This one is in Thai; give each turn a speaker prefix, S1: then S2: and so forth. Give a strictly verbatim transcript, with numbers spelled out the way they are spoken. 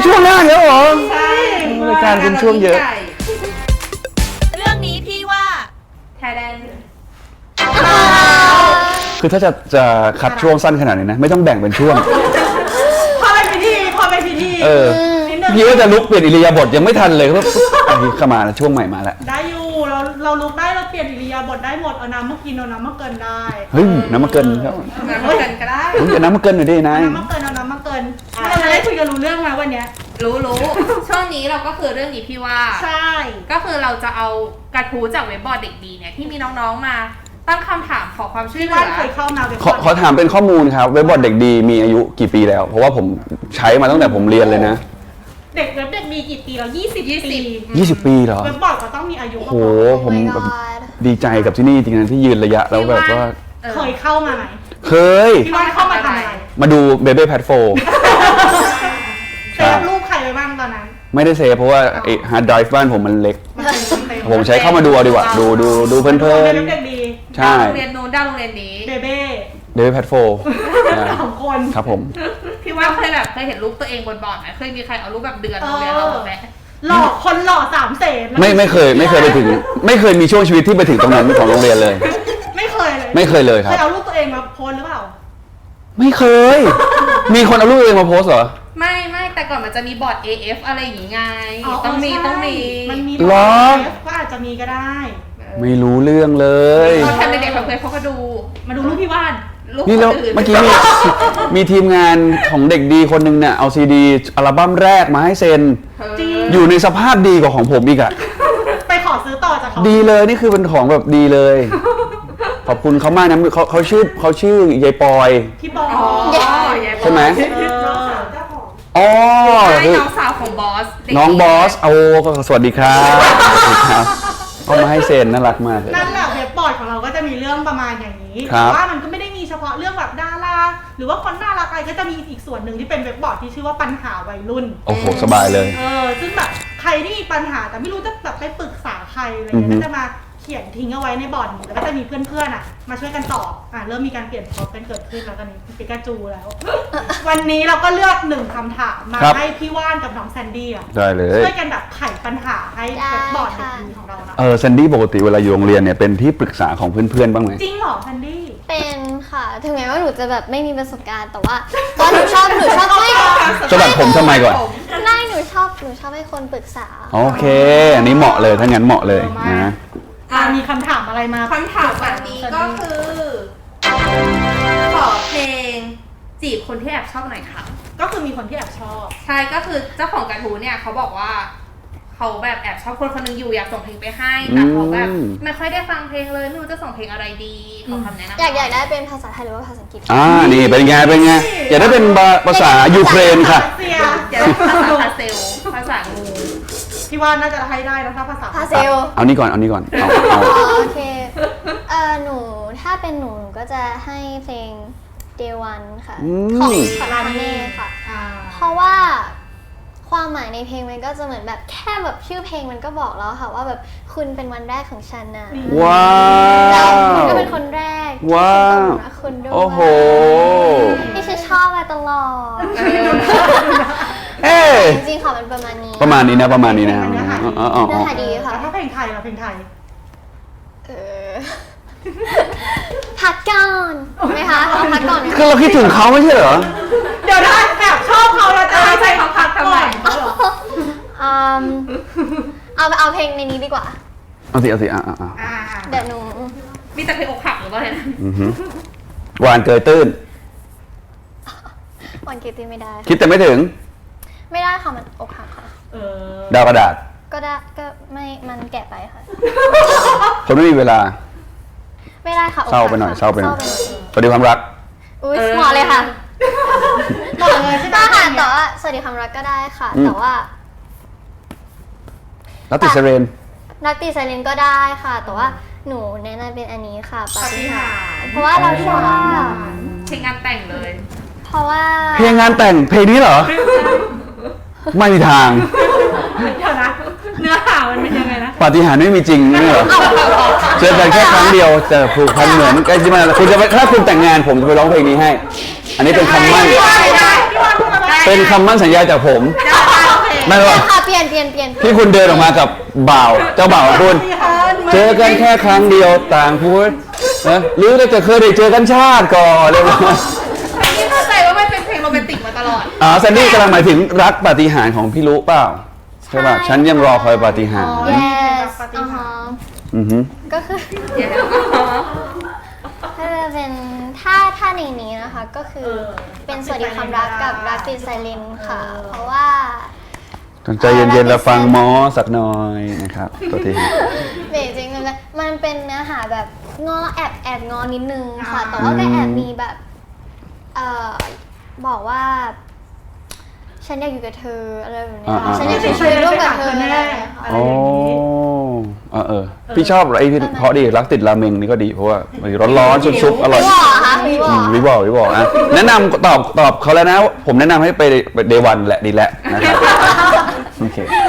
S1: ช่วงหน้าเยอะเหรอ
S2: ใช่
S1: รายการเป็นช่วงเยอะ
S3: เรื่องนี้พี่ว่าไทยแลนด์
S1: คือถ้าจะจะคัดช่วงสั้นขนาดนี้นะไม่ต้องแบ่งเป็นช่วง
S2: พอเป็นพิธีพอเป็นพิธี
S1: เออ
S2: นิดนึง
S1: พี่ว่าจะลุกเปลี่ยนอิริยาบถยังไม่ทันเลยก็อันนี้เข้ามาแล้วช่วงใหม่มาแล้ว
S2: ได้อยู่เราเราลุกได้เราเปลี่ยนอิริยาบถได้หมดเอาน้ำมากินเอาน้ำมาเกินได้
S1: เฮ้ยน้ำมาเกินครับ
S3: น้ำมาเกินก็ได้
S1: เฮ้ยเอาน้ำมาเกินหน่อยดินาย
S2: เอาน้ำมาเกินเอาน้ำมาเกินเราจะได้คุยกันรู้เรื่องไหมวันเนี้ย
S3: รู้รู้ช่วงนี้เราก็คือเรื่องนี้พี่ว่า
S2: ใช่
S3: ก็คือเราจะเอากระทู้จากเว็บบอร์ดเด็กดีเนี่ยที่มีน้องๆมาตั้งคำถามขอความช่วย
S2: พี่
S3: เหลื
S2: ว่าน
S3: อ
S2: เคยเข้ามาเป็น
S1: ขอขอถามเป็นข้อมูลครับเว็บบอร์ดเด็กดีมีอายุกี่ปีแล้ว เพราะว่าผมใช้มาตั้งแต่ผมเรียนเลยนะ
S2: เด็กเว็บเด็กมีกี่ปีแล้วยี่สิบปี
S1: ยี่สิบปีเหรอ
S2: เว็บบอร์ดก็ต้องมีอายุ
S1: โอ้โหผมแบบดีใจกับที่นี่จริงๆที่ยืนระยะแล้วแบบว่า
S3: ออ
S2: เคยเข้ามาไหม
S1: เคย
S2: พี่ว่านเข้ามาทำอะไร
S1: มาดูเบเบ้แพทโฟ
S2: เซฟรูปใครไว้บ้างตอนนั้น
S1: ไม่ได้เซฟเพราะว่าไอ้ฮาร์ดไดรฟ์บ้านผมมันเล็ก
S2: มันเป็นเต็ม
S1: ผมใช้เข้ามาดูเอาดีกว่า ดูดูดูเพลิน
S2: เว็บเด็กดี
S1: ๆ ใช่
S3: ดาวโรงเรียนนู้นดาวโรงเรียนนี้
S2: เบเบ้
S1: เบเบ้แพทโฟ
S2: สองคน
S1: ครับผม
S3: พี่ว่าเคยแบบเคยเห็นรูปตัวเองบนบอร์ดไหมเคยมีใครเอารูปแบบเดือนโรงเรียนเราหมดไหม
S2: หล่อคนหล่อสามเสน
S1: ไม่ไม่เคยไม่เคยไปถึง ไม่เคยมีช่วงชีวิตที่ไปถึงตรงนั้นของโรงเรียนเลย
S2: ไม่เคยเลย
S1: ไม่เคยเลยค
S2: เครับ ยเอารูปตัวเองมาโพสหรือเปล่า
S1: ไม่เคย มีคนเอารูปตัวเองมาโพสเหรอ
S3: ไม่ไม่แต่ก่อนมันจะมีบอร์ด เอ เอฟ อะไรอย่างงี้ไง
S2: อ๋อ
S3: ต้องมี
S2: ใช่
S3: ต้องมี
S2: มันมี
S1: หรอ
S2: ก็อาจจะมีก็ได้
S1: ไม่รู้เรื่องเลย
S3: เราทำเด็กๆเพื่อนเขาก็ดู
S2: มาดูรูปพี่ว่าน
S3: รูป
S1: นี่แล้ว
S3: คนอื่น
S1: เมื่อกี้มีมีทีมงานของเด็กดีคนหนึ่งเนี่ยเอาซีดีอัลบั้มแรกมาให้เซ็น
S2: จริง
S1: อยู่ในสภาพดีกว่าของผมอีกอะ
S2: ไปขอซื้อต่อจากเขา
S1: ดีเลยนี่คือเป็นของแบบดีเลย ขอบคุณเขามากนะเขาเขาชื่อเขาชื่อยายปอย
S2: พี่บอ
S3: อ๋อ
S2: ล
S1: ใช่ไหม
S2: เออ
S1: อ๋อ
S3: ใช่
S1: คือ
S3: น้องสาวของบอสเด็ก
S1: น้องบอสเอาสวัสดีครับสวัสดีครับเอามาให้เซ็นน่ารักมากเลย
S2: นั่นแหละเว็บบอร์ดของเราก็จะมีเรื่องประมาณอย่างนี้
S1: ครั
S2: แต่
S1: บ
S2: ว่ามันก็ไม่ได้มีเฉพาะเรื่องแบบดาราหรือว่าคนน่ารักอะไรก็จะมีอีกส่วนหนึ่งที่เป็นเว็บบอร์ดที่ชื่อว่าปัญหาวัยรุ่น
S1: โอ้โหสบายเลย
S2: เออซึ่งแบบใครที่มีปัญหาแต่ไม่รู้จะแบบไปปรึกษาใครอะไร
S1: อือ
S2: เงี้ย
S1: ฮึ
S2: ก็จะมาเขียนทิ้งเอาไว้ในบอร์ดนี้แล้วก็จะมีเพื่อนๆอ่ะมาช่วยกันตอบอ่ะเริ่มมีการเปลี่ยนพร็อพกันเกิดขึ้นแล้วตอนนี้ปิกาจูแล้ว วันนี้เราก็เลือกหนึ่งคำถามมาให้พี่ว่านกับน้องแซนดี้อ่ะ
S1: ได้เลย
S2: ช่วยกันแบบไขปัญหาให้เว็บบอร์ดเด็กดีของเรานะ
S1: เออแซนดี้ปกติเวลาอยู่โรงเรียนเนี่ยเป็นที่ปรึกษาของเพื่อนๆบ้างไหม
S2: จริงเหรอแซนดี้
S4: เป็นค่ะ ถึงแม้ว่าหนูจะแบบไม่มีประสบการณ์แต่ว่าตอนหนูชอบหนูชอบให้
S1: สะบัดผมทำไมก่อน
S4: ไม่หนูชอบหนูชอบให้คนปรึกษา
S1: โอเค อันนี้เหมาะเลยถ้างั้นเหมาะเลยนะ
S2: อ่ะมีคำถามอะไรมา
S3: คำถามวันนี้ก็คือ ขอเพลงจีบคนที่แอบชอบหน่อยค่ะ
S2: ก็คือมีคนที่แอบชอบ
S3: ใช่ก็คือเจ้าของกระทู้เนี่ยเขาบอกว่าเขาแบบแอบชอบคนคนหนึงอยู่อยากส่งเพลงไปให้แต่เขาแบบ
S1: อืม
S3: ไม่ค่อยได้ฟังเพลงเลยไม่รู้จะส่งเพลงอะไรดีขอคำแนะนำ
S4: อยากอยากได้เป็นภาษาไทยหรือว่าภาษาอังกฤษ
S1: อ่านี่เป็นไงเป็นไงอย่าได้เป็นภาษายูเครนค่ะ
S2: เสีย
S3: อยากได้ภาษาพาเซลภาษางู
S2: พี่ว่าน่าจะให้ได้นะถ้าภาษา
S4: พาเซล
S1: เอานี่ก่อนเอานี่ก่อนเอาเอา
S4: อ๋อโอเคเออหนูถ้าเป็นหนูหนูก็จะให้เพลง Day One ค่ะ
S1: อื
S4: ของ
S1: ม
S4: ของคาเน่ค่ะ
S2: อ่า
S4: เพราะว่าความหมายในเพลงมันก็จะเหมือนแบบแค่แบบชื่อเพลงมันก็บอกแล้วค่ะว่าแบบคุณเป็นวันแรกของฉันนะ
S1: ว้า
S4: แล้วคุณ
S1: ว
S4: ก็เป็นคนแรก
S1: ว้าว
S4: ที่ฉันต้องรักคุณด้วย
S1: โอ้โห
S4: ที่ฉันชอบมาตลอด
S1: เอ้ย
S4: จริงๆค่ะมันประมาณนี้
S1: ประมาณนี้นะประมาณนี้นะ
S2: เนื้อหาดี
S1: อ๋ออ๋อ
S4: เนื้
S1: อ๋
S4: อ
S1: อ
S4: หาดีค่ะ
S2: แล้วถ้าเพลงไทยเราเพลงไทย
S4: เออพักก่อนไหมคะเอาพักก่อนไหม
S1: คือเราคิดถึงเขาไม่ใช่เหรอ
S2: เดี๋ยวนะแอบชอบเขาแล้วจะให้เขาพักทำไม
S4: อืมเอาเอาเพลงในนี้ดีกว่า
S1: เอาสิเอาสิอ่ะอ่ะอ่ะ
S2: อ่า
S4: เดี๋ยวหนู
S3: มีแต่เพลงอกหักหรือเปล่าเนี่ย
S1: อือหือหวานเกยตื้น
S4: วันเกตตี้ไม่ได้
S1: คิดแต่ไม่ถึง
S4: ไม่ได้ค่ะมันอกหักค่ะ
S2: เออ
S1: ดาวกระดาษ
S4: ก็ได้ก็ไม่มันแก่ไปค่ะ
S1: คนไม่มีเวลา
S4: ไม่ได้ค่ะอกหัก
S1: เศร้าไปหน่อย
S4: ค่ะ
S1: เศร้าไปหน่อย
S4: เศร้า
S1: สวัสดีความรัก
S4: อุ้ยเหมาะเลยค่ะ
S2: หมดเลยใช่ไหม
S4: ได้ค่ะแต่ว่าสวัสดีความรักก็ได้ค่ะ
S1: อืม
S4: แต่ว่า
S1: แล้วติดเซเรน
S4: นักตีไซเลนก็ได้ค่ะ แต่ว่าหนูแนะนำเป็นอันนี้ค่ะปา
S3: ปาฏิ
S4: ฏิหา
S3: หา
S4: ริ
S3: ริ
S4: ย์
S3: ย์
S4: เพราะว่าเราชอบ
S3: เพลงงานแต่งเลย
S4: เพราะว่า
S1: เพลงงานแต่งเพลงนี้เหรอ ไม่มีทาง
S2: เดี๋ยวนะเนื้อหามันเป็นยังไงนะ
S1: ปาฏิหาริย์ไม่มีจริงนี่เหรอเจอกันแค่ครั้งเดียวแต่ผูกพันเหมือนใกล้ชิดมากคุณจะไปถ้าคุณแต่งงานผมจะไปร้องเพลงนี้ให้ อันนี้เป็นคำมั่น
S2: พี่ว่าไม่ได้พี่ว่าพูดมาได้
S1: เป็นคำมั่นสัญญาจากผม
S3: ได้
S1: ไม่
S4: เปลี่
S1: ว่าย
S4: นค่ะเปลี่ยนเปลี่ยนเปลี่ยน
S1: ที่คุณเดินออกมากับบ่าวเจ้าบ่าวของคุณ เจอกันแค่ครั้งเดียวต่างพูดนะหรือจะเคยได้เจอกันชาติก่อนเลยว่า
S3: นี่เข้าใจว่ามันเป็นเพลงโรแมนติกมาตลอด
S1: อ๋อแซนดี้กำลังหมายถึงรักปาฏิหาริย์ของพี่รู้เปล่าใช่ป่ะฉันยังรอคอยปาฏิหาริย์
S4: yes อ่าฮะ
S1: อือฮึ
S4: ก็คือ
S3: เดี๋ยว
S4: ถ้าจะเป็นถ้าถ้าในนี้นะคะ ก็คือเป็นสวัสดีความรักกับรักติดไซเลนค่ะ เพราะว่า
S1: ต้องใจเย็นๆแล้วฟังหมอสักหน่อยนะครับตัวที
S4: เบจริงๆเลยมันเป็นเนื้อหาแบบงอแอบแอบงอนิดนึงค่ะ แต่ว่าก็แอบมีแบบเอ่อบอกว่า ฉันอยากอยู่กับเธออะไรแบบนี้ค่ะฉันอยากใช้ชีวิตร่วมกับเธออะไรอย่างเงี้ยค่ะ
S1: โอ้เออเออพี่ชอบไอ้ที่เพราะดีรักติดราเมงนี่ก็ดีเพราะว่ามันร้อนๆซุปๆอร่อย
S4: วิวอค่ะวิวอ
S1: อืมวิบอกวิบอกนะแนะนำตอบตอบเขาแล้วนะ ผมแนะนำให้ไปเดวันแหละดีแล้วนะครับโอเค